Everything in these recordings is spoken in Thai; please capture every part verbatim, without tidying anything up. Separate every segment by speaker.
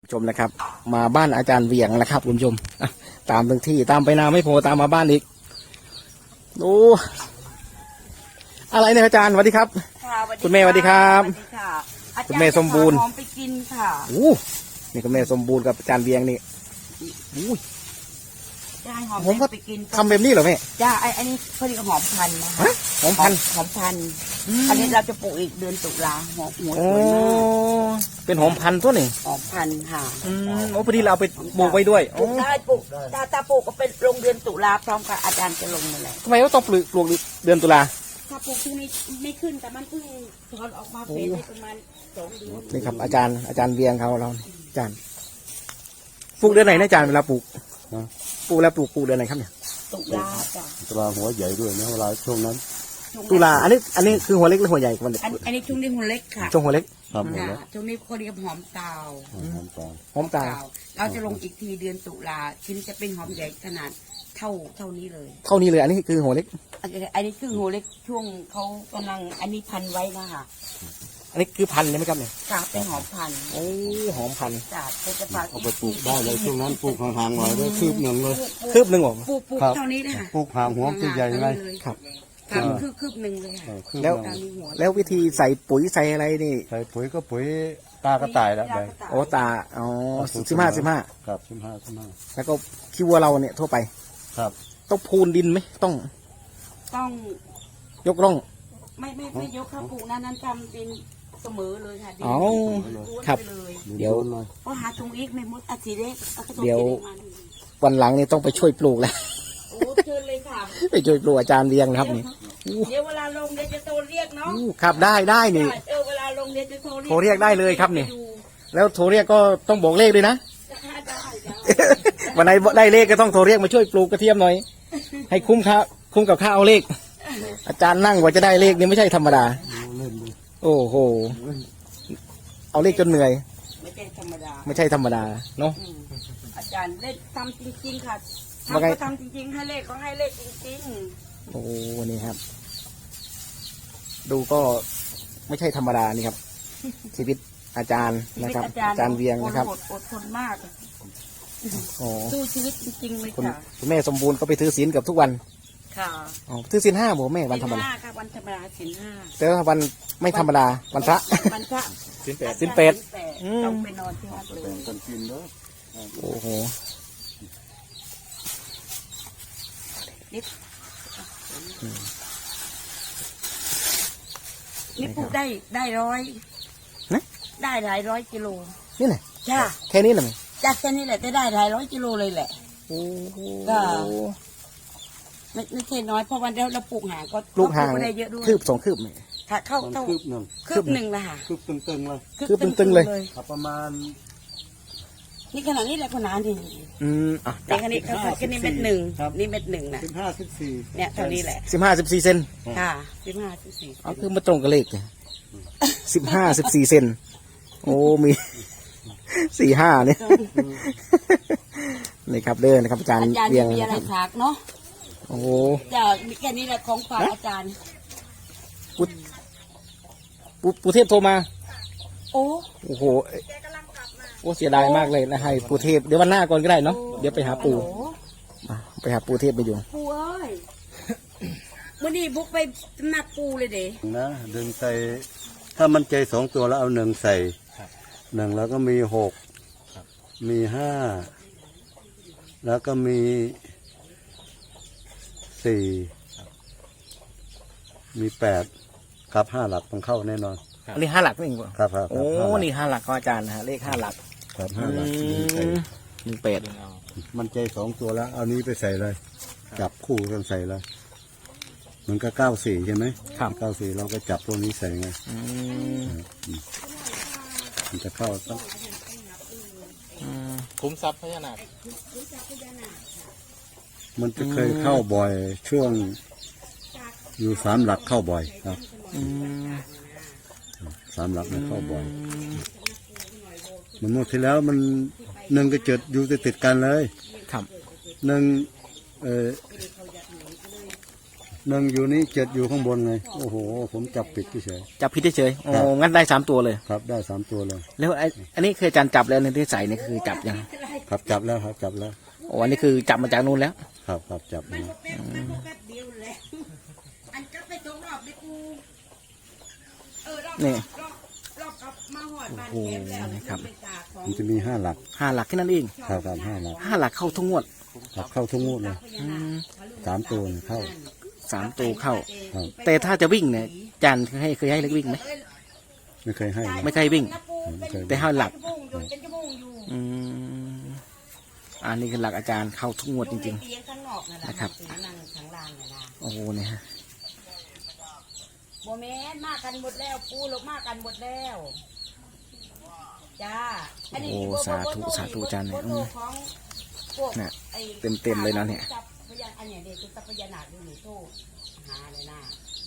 Speaker 1: ชมนะครับมาบ้านอาจารย์เวียงนะครับคุณผู้ชมตามทั้งที่ตามไปนาไม่พอตามมาบ้านอีกโอ้อะไรเนี่ยอาจารย์สวัสดีครับคุณแม่สวัสดีครับคุณแม่สมบูรณ์
Speaker 2: หอมไปกินค่ะ
Speaker 1: โอ้นี่คุณแม่สมบูรณ์กับอาจารย์เวียงนี่อุ้ย
Speaker 2: ได้หอม
Speaker 1: ผมก็
Speaker 2: ไปกิน
Speaker 1: ทำแบบนี้เหรอแม่
Speaker 2: จ้าไออันนี้เขาเรียกหอมพันธุ์นะคะ
Speaker 1: หอมพันธุ์
Speaker 2: หอมพันธุ์อันนี้เราจะปลูกอีกเดือนตุลาหอมหัวสวยมาก
Speaker 1: เป็นหอมพันธุ์ตัวนี่
Speaker 2: หอมพันธุ์ค่ะ
Speaker 1: อืมโอ้พอดีเราไปปลูกไว้ด้วย
Speaker 2: ปลูกได้ปลูกถ้าถ้าปลูกก็เป็นลงเดือนตุลาพร้อมกับอาจารย์จะลงนั่นแหละ
Speaker 1: ทำไมว่าต้องปลูกปลูกเดือนตุลา
Speaker 2: ถ้าปลูกที่นี่ไม่ขึ้นแต่มันเพิ่งถอนออกมาเป็นประมาณสองเดือน
Speaker 1: นี่ครับอาจารย์อาจารย์เวียงเขาเราอาจารย์ปลูกเดือนไหนนะอาจารย์เวลาปลูกปลูกแล้วปลูกปลูกเดือนไหนครับเนี่ย
Speaker 2: ตุลาจ้ะ
Speaker 3: ตุลาหัวใหญ่ด้วยนะเวลาช่วงนั้น
Speaker 1: ตุลาอันนี้อันนี้คือหัวเล็กหรือหัวใหญ่กัน
Speaker 2: อันนี้ช่วงนี้หัวเล็กค่ะ
Speaker 1: ช่วงหัวเล็ก
Speaker 3: ครับ
Speaker 2: ช่วงนี้เขาเรียกหอมเตา
Speaker 3: หอมตา
Speaker 1: หอมตา
Speaker 2: เราจะลงอีกทีเดือนตุลาชิ้นจะเป็นหอมใหญ่ขนาดเท่าเท่านี้เลย
Speaker 1: เท่านี้เลยอันนี้คือหัวเล็ก
Speaker 2: อันนี้คือหัวเล็กช่วงเขากำลังอันนี้พันไว้นะคะ
Speaker 1: อันนี้คือพันใช่ไหมครับเนี่ย
Speaker 2: ค่ะเป็นหอมพัน
Speaker 1: โอ้หอมพัน
Speaker 2: จ้ะจะฝาก
Speaker 3: เอาไปปลูกได้เลยช่วงนั้นปลูกห่างๆหน่อยได้คืบหนึ่งเลย
Speaker 1: คืบหนึ่งหรอ
Speaker 2: ปลูกปลูกเท่านี้นะคะ
Speaker 3: ปลูกห่างหัวใหญ่ๆเลย
Speaker 1: ครับ
Speaker 2: ค่ะคืบคืบหนึ่งเลยค่ะ
Speaker 1: แล้วแล้ววิธีใส่ปุ๋ยใส่อะไรนี่
Speaker 3: ใส่ปุ๋ยก็ปุ๋ยตากระต่ายแล้วไป
Speaker 1: โอ้ตาอ๋อสิบห้าสิบห้า
Speaker 3: ครับสิบห้าสิบห้า
Speaker 1: แล้วก็ขี้วัวเราเนี่ยทั่วไป
Speaker 3: ครับ
Speaker 1: ต้องพูนดินไหมต้อง
Speaker 2: ต้อง
Speaker 1: ยกร่อง
Speaker 2: ไม่ไม่ไม่ยกข้าวปลูกนั้นนั้นทำดินเสมอเลยค่ะดิน
Speaker 1: อ๋อครับเดี๋ยว
Speaker 2: เพราะหาตรงอีกไม่มดอาทิเล็ก
Speaker 1: เดี๋ยววันหลังนี่ต้องไปช่วยปลูกแล้ว
Speaker 2: โอ้เชิญเลยค่ะ
Speaker 1: ไปช่วยปลูกอาจารย์เวียงนะครับนี่
Speaker 2: เดี๋ยวเวลาลงเดี๋ยวจะโทรเรียกเนาะ
Speaker 1: ครับได้ได้นี่
Speaker 2: เออเวลาลงเดี๋ยวจะโทรเรียก
Speaker 1: โทรเรียกได้เลยครับนี่แล้วโทรเรียกก็ต้องบอกเลขด้วยนะวันไหนได้เลขก็ต้องโทรเรียกมาช่วยปลูกกระเทียมหน่อยให้คุ้มค่าคุ้มกับค่าเอาเลขอาจารย์นั่งกว่าจะได้เลขนี่ไม่ใช่ธรรมดาโอ้โหเอาเลขจนเหนื่อย
Speaker 2: ไม่ใช่ธรรมดา
Speaker 1: ไม่ใช่ธรรมดาเนาะ
Speaker 2: อาจารย์เล่นทำจริงๆค่ะทำก็ทำจริงๆให้เลขก็ให้เลขจริง
Speaker 1: ๆโอ้นี่ครับดูก็ไม่ใช่ธรรมดานี่ครับชีวิตอาจารย์นะครับอาจารย์เวียงนะครับ
Speaker 2: อดทนมากสู้ชีวิตจริงๆเลยค่ะ
Speaker 1: คุณแม่สมบูรณ์ก็ไปถือศีลกับทุกวัน
Speaker 2: ค่ะ
Speaker 1: อ๋อถือศีลห้าบ่แม่วันธรรมดา
Speaker 2: ค่ะวันธรรมดาศีลห้า
Speaker 1: แต่ว่าวันไม่ธรรมดาวันพระ
Speaker 2: วันพระ
Speaker 1: ศีลแปดศีลแปด
Speaker 2: ต้องไปนอนที่วัดเลย
Speaker 3: กันกินเนาะ
Speaker 1: โอ้โห
Speaker 2: นี่ปลูกได้ได้ร้อยได้หลายร้อยกิโล
Speaker 1: นี่แหละ
Speaker 2: จ้า
Speaker 1: แค่นี้เหรอ
Speaker 2: จากแค่นี้แหละจะได้หลายร้อยกิโลเลยแหละก็ไม่ไม่ใช่น้อยเพราะวันเดียวเราปลูกห่างก็
Speaker 1: ปลูกห่าง
Speaker 2: ได้เยอะด้วย
Speaker 1: คืบสองคืบไหม
Speaker 2: ค่ะเข้าเข้า
Speaker 3: คืบหนึ่ง
Speaker 2: คืบหนึ่งละค่ะ
Speaker 3: คืบตึงๆเลย
Speaker 1: คืบตึงๆเลย
Speaker 3: ประมาณ
Speaker 2: นี่ขนาดนี้แหละขนาดนี้
Speaker 1: อืมอ่ะ
Speaker 2: แต่ขนาดนี้เขาแค่นี้เม็ดหนึ่งนี่เม็ดหนึ่งนะ
Speaker 3: สิบห้าสิบสี่
Speaker 2: เนี่ยเท่านี้แหละ
Speaker 1: สิบห้าสิบสี่เซน
Speaker 2: ค่ะสิบห้าสิบสี่
Speaker 1: อ๋อคือมาตรงกับเลขสิบห้าสิบสี่เซนโอ้มีสี่ห้าเนี่ยนี่ครับเดินนะครับอาจารย์
Speaker 2: เบียงมีอะไรฝากเนาะ
Speaker 1: โอ้
Speaker 2: จะมีแค่นี้แหละของฝากอาจารย์
Speaker 1: ปุปุปุเทพโทรมา
Speaker 2: โอ้
Speaker 1: โอ้โหโอ้เสียดายมากเลยนะให้ปูเทพเดี๋ยววันหน้าก่อนก็ได้เนาะเดี๋ยวไปหาปูไปหาปูเทพไปอยู่
Speaker 2: ปูเอ้ยวันนี้บุกไปหนักปูเลยเด้
Speaker 3: นะดึงใส่ถ้ามันใจสองตัวแล้วเอาหนึ่งใส่หนึ่งแล้วก็มีหกมีห้าแล้วก็มีสี่มีแปดครับห้าหลักต้องเข้าแน่นอน
Speaker 1: อันนี้ห้าหลักนี่เองป่ะ
Speaker 3: ครับครับ
Speaker 1: โอ้นี่ห้าหลักของอาจารย์นะฮะเลขห้าหลัก
Speaker 3: ครับห้าหลัก
Speaker 1: หนึ่งเป็ด
Speaker 3: มันใจสองตัวแล้วเอานี้ไปใส่เลยจับคู่กันใส่เลยมันก็เก้าสี่ใช่ไหม
Speaker 1: ครับ
Speaker 3: เก้าสี่เราก็จับตัวนี้ใส่ไงมันจะเข้าตั้ง
Speaker 1: คุ้มทรัพย์พญานาค
Speaker 3: มันจะเคยเข้าบ่อยช่วงอยู่สามหลักเข้าบ่อยครับสามหลักมันเข้าบ่อยมันหมดที่แล้วมันหนึ่งก็เจิดอยู่ติดติดกันเลย
Speaker 1: ครับ
Speaker 3: หนึ่งเออหนึ่งอยู่นี่เจ็ดอยู่ข้างบนไงโอ้โหผมจับปิดเฉย
Speaker 1: จับผิดเฉยๆโอ้งั้นได้สามตัวเลย
Speaker 3: ๆครับได้สามตัวเลย
Speaker 1: แล้วไอ้อันนี้คืออาจารย์จับแล้วในที่ใส่นี่คือจับยัง
Speaker 3: ครับจับแล้วครับจับแล้ว
Speaker 1: โอ้อันนี้คือจับมาจากนู่นแล้ว
Speaker 3: ครับครับจับมา
Speaker 2: แป๊บแป๊บเดียวเลยอันก็ไปตรงรอบไปกูเออรอบ
Speaker 1: นี่
Speaker 2: รอบรอบกับมาหอดบ้าน
Speaker 1: โอ้โห
Speaker 2: แคมแล้ว
Speaker 1: นะครับ
Speaker 2: ไปตากของ
Speaker 3: มันจะมีห้าหลัก
Speaker 1: ห้าหลักแค่นั้นเอง
Speaker 3: ครับครับห้าหลัก
Speaker 1: ห้าหลักเข้าทุกงวด
Speaker 3: ครับเข้าทุกงวดเลย
Speaker 1: อืม
Speaker 3: สามตัวเนี่ยเข้า
Speaker 1: สามตัวเข้า
Speaker 3: ครับ
Speaker 1: แต่ถ้าจะวิ่งเนี่ยอาจารย์เคยให้เคยให้เล็กวิ่งไหม
Speaker 3: ไม่เคยให้นะ
Speaker 1: ไม่เคยวิ่ง
Speaker 3: ไม่เคย
Speaker 1: แต่ห้าหลัก
Speaker 2: ชั่วโมงอยู่เป็นชั่วโมงอยู่
Speaker 1: อืมอันนี้คือหลักอาจารย์เข้าทุกงวดจริง
Speaker 2: เตียงข้างนอกนั่นแหละ
Speaker 1: นะครับ
Speaker 2: นั่งข้างล่างน่ะนะ
Speaker 1: ๆ โอ้โหเนี่ยฮะ
Speaker 2: โมเมนมากันหมดแล้วปูลงมากันหมดแล้วจ้าอันนี้
Speaker 1: โอ้
Speaker 2: บ่บ่
Speaker 1: สา
Speaker 2: บ่
Speaker 1: ธุ
Speaker 2: โทร
Speaker 1: สาธุอาจารย์เนี่ย
Speaker 2: บ่
Speaker 1: อื
Speaker 2: โทร
Speaker 1: ม
Speaker 2: ของพวก
Speaker 1: เนี่ย
Speaker 2: ไอ้
Speaker 1: เต็มๆเลยนะเนี่ย
Speaker 2: จับพยานอันเนี้ยเด็กคือจับพยานาคอยู่นี่โทรหาเลยนะ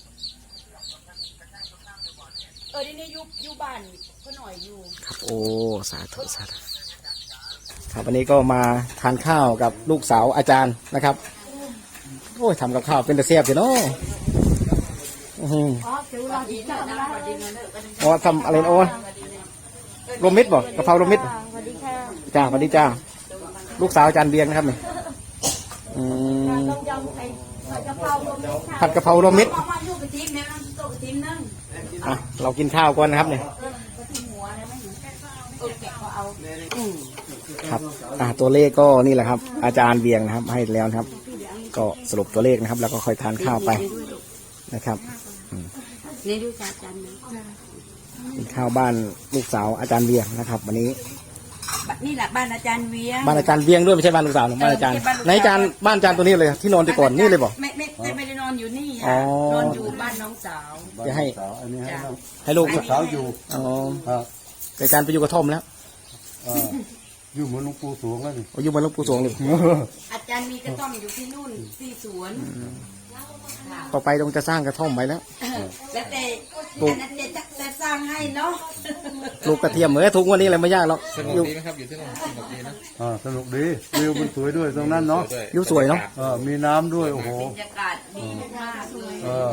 Speaker 2: เออนี่นี่อยู่อยู่บ้านก็หน่อยอยู่
Speaker 1: ครับโอ้สาธุสาธุครับวันนี้ก็มาทานข้าวกับลูกสาวอาจารย์นะครับโอ้ยทำกับข้าวเป็นตะเสียบอยู่เนาะอื้อหือ
Speaker 2: อ๋อคือเราดีนะนะสวัสดีเงินเด้อกัน
Speaker 1: โอ้ทำอะไรนะโอ้รวมมิตรบ่กะเพรารวมมิตร
Speaker 2: สวัสดีค่ะ
Speaker 1: จ้าสวัสดีจ้าลูกสาวอาจารย์เบียงนะครับนี่อืม
Speaker 2: ต้องยำไอ้กะเพราลมมิตรค่ะ
Speaker 1: ผัดกะเพรารวมมิตร
Speaker 2: บอกว่าอยู่กระทิมเนี่ยน้ำโตกระทิมนึ่ง
Speaker 1: อ่ะเรากินข้าวก่อนนะครับเนี่ย
Speaker 2: กระทิมหัวเนี่ยไม่เห็นเออแกะก็เอาอืม
Speaker 1: ครับอ่าตัวเลขก็นี่แหละครับ อาจารย์เบียงนะครับ ให้แล้วนะครับ ก็สรุปตัวเลขนะครับ แล้วก็ค่อยทานข้าวไปนะครับ
Speaker 2: นี่ดูจากกันนะ
Speaker 1: กินข้าวบ้านลูกสาวอาจารย์เบียงนะครับ วันนี้
Speaker 2: นี่แหละบ้านอาจารย์เวียง
Speaker 1: บ้านอาจารย์เบียงด้วยไม่ใช่บ้านลูกสาวหรอกบ้านอาจารย์ไหนอาจารย์บ้านอาจารย์ตัวนี้เลยที่นอนที่ก่อนนี่เลยบอก
Speaker 2: ไม่ไม่ไม่ไม่ได้นอนอยู่นี่
Speaker 1: อ๋อ
Speaker 2: ค่ะนอนอยู่บ้านน้องสาว
Speaker 1: จะให้
Speaker 3: สาวอันนี้ให้น้อง
Speaker 1: ให้ลูก
Speaker 3: สาวอยู่
Speaker 1: อ๋อ
Speaker 3: ครับ
Speaker 1: แต่อาจารย์ไปอยู่กระท่อมแล้ว
Speaker 3: เอ่ออยู่เหมือนหลวงปู่สวงแล้วนี่
Speaker 1: อยู่บนหลวงปู่สวงเลย
Speaker 2: อาจารย์มีกระท่อมอยู่ที่นู่นที่สวนค่ะ
Speaker 1: ต่อไปต้องจะสร้างกระท่อมไว้แล้ว
Speaker 2: แล้วแต่
Speaker 1: ปลูก
Speaker 2: อันนั้นจะจะสร้างให้เนาะ
Speaker 1: ปลูกกระเทียมเหมือนทุกวันนี้อะไรไม่ยากหรอก
Speaker 4: สนุก
Speaker 1: อยู่
Speaker 4: ดีไหมครับอยู่ที่นู่นสนุกดีนะ
Speaker 3: อ่าสนุกดีวิวมันสวยด้วยตรงนั้นเนาะ
Speaker 4: ด้วย
Speaker 1: อยู่สวยเนาะ
Speaker 3: เออมีน้ำด้วยโอ้โห
Speaker 2: บรรยากาศดีมากเลย
Speaker 3: เออ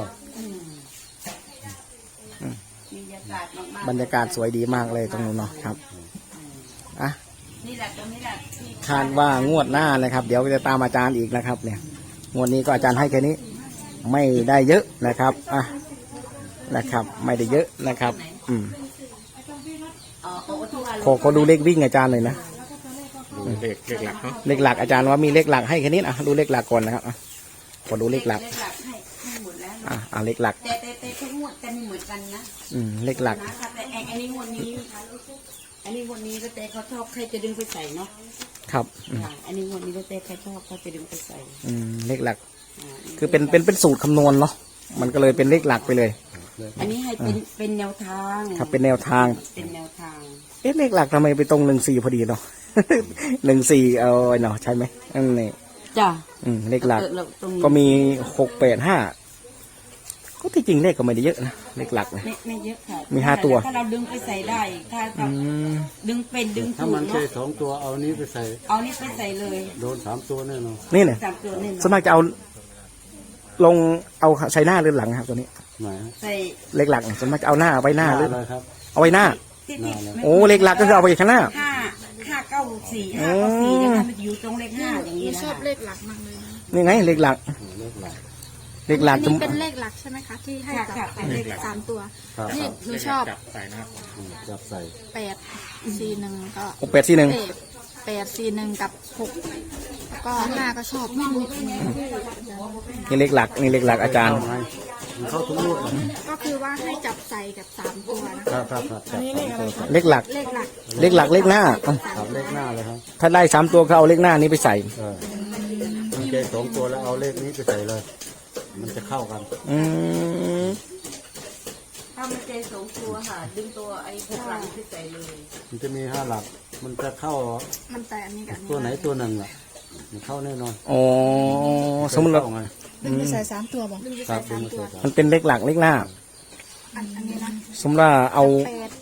Speaker 2: บรรยากาศมากๆ
Speaker 1: บรรยากาศสวยดีมากเลยตรงนู้นเนาะครับอ่ะ
Speaker 2: นี่แหละตรงนี้แหละที่
Speaker 1: คาดว่างวดหน้านะครับ เดี๋ยวจะตามอาจารย์อีกนะครับ เนี่ยงวดนี้ก็อาจารย์ให้แค่นี้ ไม่ได้เยอะนะครับอ่ะนะครับ ไม่ได้เยอะนะครับ อืม
Speaker 2: เอ่อโอ้ทุกอัน
Speaker 1: ขอขอดูเลขวิ่งอาจารย์เลยนะ
Speaker 4: ดูเลขเลขหลักเนาะ
Speaker 1: เลขหลักอาจารย์ว่ามีเลขหลักให้แค่นี้อ่ะดูเลขหลักก่อนนะครับอ่ะขอดูเลขหลัก
Speaker 2: เลขหลักให้ให้หมดแล้ว
Speaker 1: อ่ะอ่ะเลขหลัก
Speaker 2: แต่แต่แต่ทุกงวดจะไม่เหมือนกันนะ
Speaker 1: อืมเลขหลัก
Speaker 2: นะคะแต่ไอ้อันนี้งวดนี้ อันนี้งวดนี้ก็แต่เขาชอบใครจะดึงไปใส่เนาะ
Speaker 1: ครับอืม
Speaker 2: อ่าอันนี้งวดนี้ก็แต่ใครชอบเขาจะดึงไปใส่
Speaker 1: อืมเลขหลัก
Speaker 2: อ่า
Speaker 1: คือเป็นเป็นเป็นสูตรคำนวณเนาะมันก็เลยเป็นเลขหลักไปเลย
Speaker 2: อันนี้ให้เป็นเป็นแนวทาง
Speaker 1: ครับเป็นแนวทาง
Speaker 2: เป็นแนวทาง
Speaker 1: เอ๊ะเลขหลักทำไมไปตรงหนึ่งสี่พอดีเนาะ หนึ่งสี่เอาไว้เนาะใช่ไหมอันนี้
Speaker 2: จ้ะ
Speaker 1: อืมเลขหลัก
Speaker 2: เออเราตรงนี้
Speaker 1: ก็มีหกแปดห้าก็ที่จริงเลขก็ไม่ได้เยอะนะเลขหลักนะ
Speaker 2: ไม่ไม่เยอะค่ะ
Speaker 1: มีห้าตัว
Speaker 2: ถ้าเราดึงไปใส่ได้ ถ้า
Speaker 1: อื
Speaker 2: เรา
Speaker 1: ม
Speaker 2: ดึงเป็นดึง
Speaker 3: ถ้า
Speaker 2: ถูก
Speaker 3: มันใช่
Speaker 2: เนาะ
Speaker 3: สองตัวเอานี้ไปใส่
Speaker 2: เอานี่ไปใส่เลย
Speaker 3: โดนสามตัวแน่นอน
Speaker 1: นี่เนี่ย
Speaker 2: สามตัวนี่
Speaker 1: ส่วนมากจะเอาลงเอาใส่หน้าหรือหลังครับตัวนี้
Speaker 3: ไหน
Speaker 2: ใส่
Speaker 1: เลขหลักเนี่ยส่วนมากจะเอาหน้าเอาไว้หน้าหรือ
Speaker 3: อะไรครับ
Speaker 1: เอาไว้หน้า
Speaker 2: ที่ที่ไม่
Speaker 1: โอ้เลขหลักก็คือเอาไปข้างหน้า
Speaker 2: ห้าห้าเก้าสี่ห้าเก้าสี่เนี่ยค่ะมันจะอยู่ตรงเลขห้าอย่างนี้
Speaker 5: หนู
Speaker 2: นะ
Speaker 5: ชอบ
Speaker 2: คะ
Speaker 5: เลขหลักมากเลยนะ
Speaker 1: นี่ไงเลขหลัก
Speaker 3: เลขหลัก
Speaker 1: เลขหลัก
Speaker 5: อัน
Speaker 1: จะ
Speaker 5: นี้เป็นเลขหลักใช่ไหมคะ ที่ให้กับเลขสามตัว
Speaker 3: ครับ
Speaker 5: นี่หนูชอบ
Speaker 4: จับใส่นะครับ
Speaker 3: อืมจับใส่
Speaker 5: แปดสี่หนึ่งก็
Speaker 1: หกแปดสี่หนึ่ง
Speaker 5: แปดแปดสี่หนึ่งกับหกแล้วก็ห้าก็ชอบไม่มี
Speaker 1: นี่เลขหลักนี่เลขหลักอาจารย์
Speaker 3: ไงมันเข้าทุกลูกเลย
Speaker 5: ก็คือว่าให้จับใส่กับสามตัวนะครับ
Speaker 3: ครับครับจับสองตัวใส่
Speaker 1: เลขหลัก
Speaker 5: เลขหลัก
Speaker 1: เลขหลักเลขหน้าเอ้า
Speaker 3: ครับเลขหน้าเลยครับ
Speaker 1: ถ้าได้สามตัวก็เอาเลขหน้านี้ไปใส่
Speaker 3: เออมันใช่สองตัวแล้วเอาเลขนี้ไปใส่เลย มันจะเข้ากัน
Speaker 1: อืม
Speaker 2: ถ้ามันเจสองตัวค่ะ ดึงตัวไอ้พวกหลังที่ใส่เลย
Speaker 3: มันจะมีห้าหลัก มันจะเข้า
Speaker 5: มันแต่อันนี้กับอัน
Speaker 3: ตัวไหน
Speaker 5: นี้
Speaker 3: ตัวหนึ่งอ่ะมันเข้าแน่นอน
Speaker 1: อ๋อสมมติเรา
Speaker 3: เข้าไง
Speaker 5: ดึงไปใส่สามตัวบอกดึงไป
Speaker 3: ครั
Speaker 5: ใส่
Speaker 3: บดึ
Speaker 5: สาง ม
Speaker 3: มา
Speaker 5: ตัว
Speaker 3: ใส่สาม
Speaker 1: มันเป็นเลขหลักเลขหน้า
Speaker 5: อันอันนี้นะ
Speaker 1: สมมติว่าเอา
Speaker 5: แปดสี่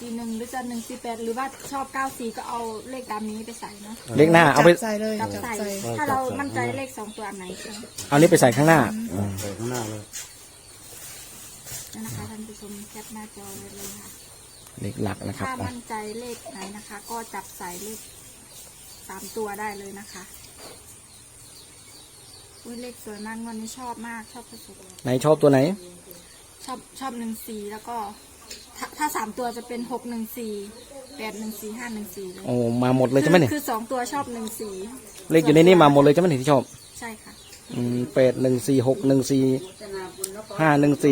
Speaker 5: สี่หนึ่งหรือจะหนึ่งสี่แปดหรือว่าชอบเก้าสี่ก็เอาเลขตามนี้ไปใส่เนาะ
Speaker 1: เลขหน้าเอาไป
Speaker 6: จับใส่เลย
Speaker 5: จับ
Speaker 6: จับ
Speaker 5: ใส่
Speaker 6: ใส่
Speaker 5: ถ้าเรามั่นใจเลขสองตัวอันไหนใช่ไหม
Speaker 1: เอานี้ไปใส่ข้างหน้า
Speaker 3: ใส่ข้างหน้าเลย
Speaker 5: นั่นนะคะท่านผู้ชมแคปหน้าจอไว้เลยค่ะ
Speaker 1: เลขหลักนะครับ
Speaker 5: ถ้า
Speaker 1: อ่ะ
Speaker 5: มั่นใจเลขไหนนะคะ ก็จับใส่เลขสามตัวได้เลยนะคะอุ้ยเลขสวยมากงวันนี้ชอบมากชอบสุด
Speaker 1: ไหนชอบตัวไหน
Speaker 5: ๆชอบชอบหนึ่งสี่แล้วก็ ถ้าถ้าสามตัวจะเป็นหกหนึ่งสี่แปดหนึ่งสี่ห้าหนึ่งสี่เลย
Speaker 1: โอ้มาหมดเลยใช่ไหมเนี่ย
Speaker 5: คือสองตัวชอบหนึ่งสี่
Speaker 1: เลขอยู่ในนี้มาหมดเลยใช่ไหมเนี่ยที่ชอบ
Speaker 5: ใช่ค่ะ
Speaker 1: อืมแปดหนึ่งสี่หกหนึ่งสี่ห้าหนึ่งสี่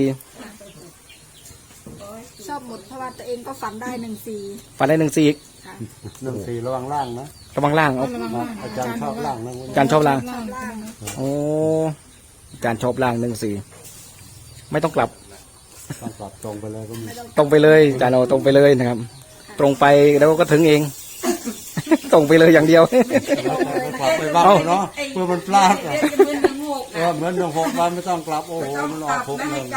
Speaker 5: ชอบหมดเพราะว่าตัวเองก็ฝันได้หนึ่งสี่
Speaker 1: ฝันได้หนึ่งสี่อีก
Speaker 5: ค่ะ
Speaker 3: หนึ่งสี่ระวังล่างนะ
Speaker 1: ระวังล่างเอา
Speaker 3: อาจารย์ชอบล่างนะ
Speaker 1: อาจารย์ชอบล่าง
Speaker 5: ชอบล่าง
Speaker 1: โอ้อาจารย์ชอบล่างหนึ่งสี่ไม่ต้องกลับ
Speaker 3: ต้องกลับตรงไปเลยก็มี
Speaker 1: ตรงไปเลยอาจารย์เอาตรงไปเลยนะครับ ตรงไปแล้วก็ถึงเอง ตรงไปเลยอย่างเดียว
Speaker 3: กลับไปบ้างเนาะเพื่อมันพลาดอะเออเหมือนหนึ่งหกวันไม่ต้องกลับโอ้โหมันออกหกหนึ่ง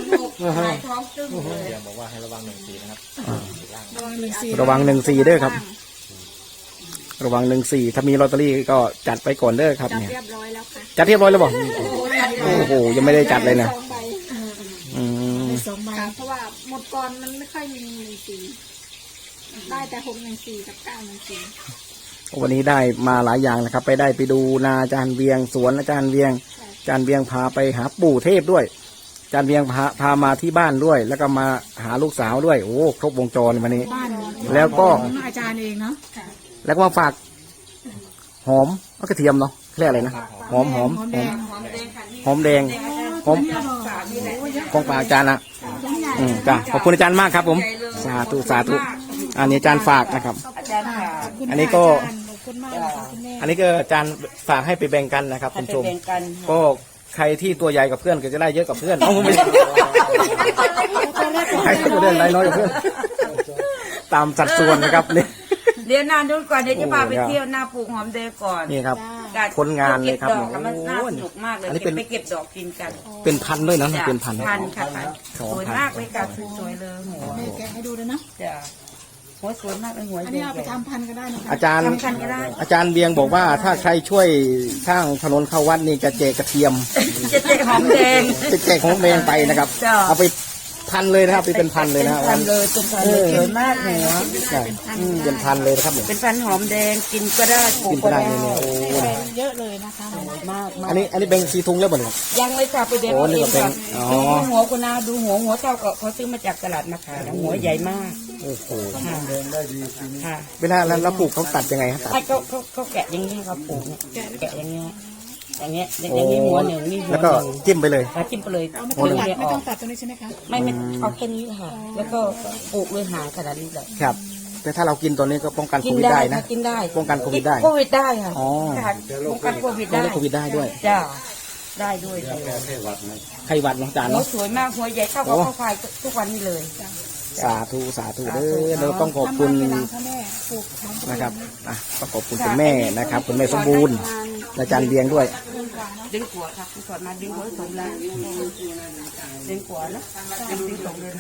Speaker 4: เดี๋ยวบอกว่าให้ระวังหนึ่งสีนะครับ
Speaker 6: ระวังหนึ่งสี่
Speaker 1: ระวังหนึ่งสี่เด้อครับ ระวังหนึ่งสี่ถ้ามีลอตเตอรี่ก็จัดไปก่อนเด้อครับ
Speaker 5: จับ
Speaker 1: เนี่ย
Speaker 5: เรียบร้อยแล้วค่ะ
Speaker 1: จัดเรียบร้อยแล้วบอกโอ้โหยังไม่ได้จัดเลยนะ
Speaker 5: สองใบ
Speaker 1: อืม
Speaker 6: สองใบ
Speaker 5: ค่ะเพราะว่าหมดก่อนมันไม่ค่อยมีหนึ่งสี่ได้แต่หกหนึ่งสี่กับเก้าหนึ่งสี่
Speaker 1: วันนี้ได้มาหลายอย่างนะครับ ไปได้ไปดูนาอาจารย์เวียงสวนอาจารย์เวียงอาจารย์เวียงพาไปหาปู่เทพด้วยอาจารย์เวียงพาพามาที่บ้านด้วย แล้วก็มาหาลูกสาวด้วย โอ้ครบวงจรวันนี้
Speaker 6: บ้าน
Speaker 1: แล้วก็
Speaker 6: ของอาจารย์เองเนาะ
Speaker 1: แล้วก็มาฝากหอมเอากระเทียมเนาะเรียกอะไรนะหอมหอม
Speaker 6: หอม
Speaker 1: ห
Speaker 6: แด
Speaker 1: อม
Speaker 6: ง
Speaker 1: หอมแดงหอมของฝากอาจารย์นะอืมจ้ะขอบคุณอาจารย์มากครับ ผมสาธุสาธุอันนี้อาจารย์ฝากนะครับ
Speaker 2: อาจารย์ค่ะ
Speaker 1: อันนี้ก็
Speaker 6: ขอบคุณมากนะคะคุณแม่
Speaker 1: อันนี้ก็อาจารย์ฝากให้ไปแบ่งกันนะครับคุณผู้ชม
Speaker 2: แบ่งกัน
Speaker 1: ก็ใครที่ตัวใหญ่กับเพื่อนก็จะได้เยอะกับเพื่อนเอาไม่ใช่ใครที่ตัวเล่นไรน้อยกับเพื่อน ตามสัดส่วนนะครับนี่
Speaker 2: เดี๋ยวนานดูก่อนเดี๋ยวจะพาไป
Speaker 1: โอ้โห
Speaker 2: เที่ยวหน้าปลูกหอมแดงก่อน
Speaker 1: นี่ครับ
Speaker 2: การ
Speaker 1: ผลงานเลยครับ
Speaker 2: ก็บดอกมันน่า
Speaker 1: โอ้
Speaker 2: ส
Speaker 1: โห
Speaker 2: นุกมากเลย
Speaker 1: อันนี้เป็
Speaker 2: เก็
Speaker 1: น
Speaker 2: บไปเก็บดอกกินกัน
Speaker 1: เป็นพันด้วยนะ
Speaker 2: จ้ะ
Speaker 1: เป็นพัน
Speaker 2: พันค่ะพัน
Speaker 1: สอง
Speaker 2: สวย
Speaker 1: พัน
Speaker 2: มากเลยค่ะสวยๆเลยหัว
Speaker 6: แม่แกะให้ดูเลยเนาะ
Speaker 2: จ้ะหัวสวยมากเลยหัว
Speaker 6: อันนี้เอาไปทำพันธุ์ก็ได้นะคะ
Speaker 1: อาจารย์
Speaker 2: ทำกันก็ได้
Speaker 1: อาจารย์เบียงบอกว่าถ้าใครช่วยสร้างถนนเข้าวัดนี่จะแจกกระเทียม
Speaker 2: จะเจ๊หอมแดง
Speaker 1: จะแจกของแดงไปนะครับ
Speaker 2: จ้ะ
Speaker 1: เอาไปพันเลยนะครับไปเป็นพันเลยนะ
Speaker 2: เป็นพันเลยเป็นพันเลยสวยมากหัว
Speaker 1: ใช่อืมเป็นพันเลยนะครับเนี่ย
Speaker 2: เป็นพันหอมแดงกินก็ได้ปลู
Speaker 1: กิ
Speaker 2: ก
Speaker 1: น
Speaker 2: ก็
Speaker 1: ก็ได้
Speaker 2: ได้
Speaker 1: เลยเนี่ยโอ้
Speaker 6: เยอะเลยนะคะ
Speaker 2: มากมาก
Speaker 1: อันนี้อันนี้เป็นสีทุงแล้วบ่เนี่ย
Speaker 2: ยังเลยค่ะไปเด็ด
Speaker 1: โอ้นี่ก็เป็น
Speaker 2: ก่อน
Speaker 1: อ๋อ
Speaker 2: ดูหัวคุณนาดูหัวหัวเท่ากับเขาซื้อมาจากตลาดมาขายนะหัวใหญ่มาก
Speaker 1: โอ้โห
Speaker 2: ค่ะค่ะ
Speaker 1: เวลาแล้วแล้วปลูกเขาตัดยังไงครับตัด
Speaker 2: ไอ้เขาเขาเขาแกะอย่างนี้ครับปลูกเนี่ยแกะอย่างเงี้ยอย่างเงี้ยอย่างนี้หัวหนึ่งนี่หัว
Speaker 1: แล้วก็
Speaker 2: หนึ่ง
Speaker 1: จิ้มไปเลย
Speaker 2: แล้วจิ้มไปเลย
Speaker 6: เอาไม่
Speaker 2: หัว
Speaker 6: ต้
Speaker 2: ห
Speaker 6: อง
Speaker 2: นึ่ง
Speaker 6: ตัด
Speaker 2: เนี่ยอ
Speaker 6: ไม่
Speaker 2: อ
Speaker 6: ต้อก งตัดตรงนี้ใช่ไหมคะ
Speaker 2: ไม่ไม่เอาแค่นี้ค่ะ แล้วก็ปลูกเลยหางขนาดนี้เลย
Speaker 1: ครับ แต่ถ้าเรากินตัวนี้ก็ป้องกันโค
Speaker 2: กิน
Speaker 1: วิด
Speaker 2: ได้
Speaker 1: ได้นะ
Speaker 2: ค่ะกินได้
Speaker 1: ป้องกันโควิดได้
Speaker 2: โควิดได้ค่ะ
Speaker 1: อ๋อ
Speaker 2: ค่ะป้องกันโควิด
Speaker 1: ป้อง
Speaker 2: ได้
Speaker 1: กันโควิดได้ด้วย
Speaker 2: จ้าได้ด้วยเลย
Speaker 1: ไข้หวัดเน้องจาน
Speaker 2: หัว
Speaker 1: เนาะ
Speaker 2: สวยมากหัวใหญ่เท่ากับข้าวควายทุกวันนี้เลย
Speaker 1: สาธุสาธุเด้อเราต้องขอบคุณ
Speaker 6: ทำงานเวลาพ่อแม่ปลูกของตัวเอง
Speaker 1: นะครับอ่ะต้องขอบคุณคุณแม่นะครับคุณแม่สมบูรณ์และอาจารย์เบียงด้วย
Speaker 2: ดึงหัวค่ะคุณสอนมาดึงหัวสมแล้วดึงหัวนะดึงดึงสมเลย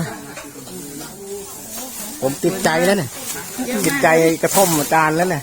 Speaker 1: ผมติดใจแล้วเนี่ยติดใจกระท่อมอาจารย์แล้วเนี่ย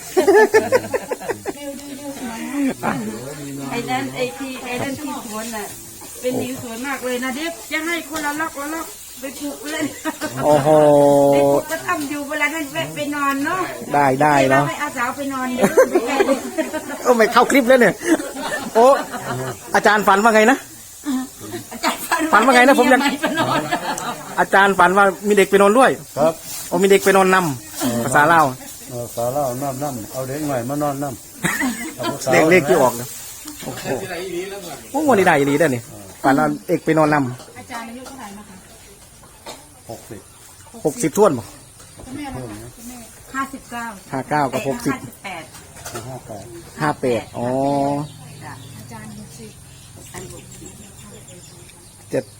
Speaker 2: ไอ้นั่นไอ้ที่ไอ้นั่นที่สวนน่ะเป็นนิ้วสวยมากเลยนะเด็กจะให้คนละล็อกละล็อกไปปลูกเลย
Speaker 1: โอ้โห
Speaker 2: ไปปลูกก็ทำอยู่เวลานั้นแวะไปนอนเนาะ
Speaker 1: ได้ได้เนาะ
Speaker 2: ให้อาสาวไปนอนเดี๋ยวไปแก่เลย
Speaker 1: โอ้ไม่เข้าคลิปแล้วเนี่ยโอ้อาจารย์ฝันว่าไงนะ
Speaker 2: อาจารย์
Speaker 1: ฝันว่าไงนะผมยัง
Speaker 2: ไม่ไปนอน
Speaker 1: อาจารย์ฝันว่ามีเด็กไปนอนด้วย
Speaker 3: ครับ
Speaker 1: โอ้มีเด็กไปนอนนำภาษาลาว
Speaker 3: เออสาวเล่าน้ำน้ำเอาเด็กใหม่มานอนน้ำ
Speaker 1: เลขเลขที่ออกเลยโอ้โหโอ้โหนี่ได้ดีได้เนี่ยฝันว่าเอกไปนอนน
Speaker 6: อาจารย์อายุเท่าไหร่นะคะ
Speaker 3: หกสิบ
Speaker 1: ำหกสิบท่วนบ่
Speaker 6: คุณแม่ล่ะคะคุณแม่
Speaker 2: ห้าสิบเก้า
Speaker 1: ห้าเก้ากับหกสิบ
Speaker 2: ห้าสิบแปด
Speaker 3: ห้าแปด
Speaker 1: ห้าแปดอ๋อ
Speaker 2: จ้ะ
Speaker 6: อาจารย์หกสิบ
Speaker 2: อันหกสิบ
Speaker 1: เจ็ด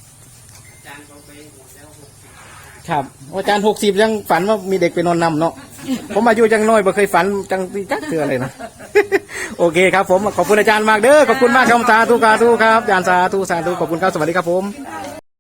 Speaker 1: ครับอาจารย์หกสิบยังฝันว่ามีเด็กไปนอนนำเนาะผมอายุยังน้อยไม่เคยฝันจังตีจักเตือเลยนะ โอเคครับผมขอบคุณอาจารย์มากเด้อขอบคุณมากครับสาธุสาธุครับอาจารย์สาธุสาธุขอบคุณครับสวัสดีครับผม
Speaker 2: อ่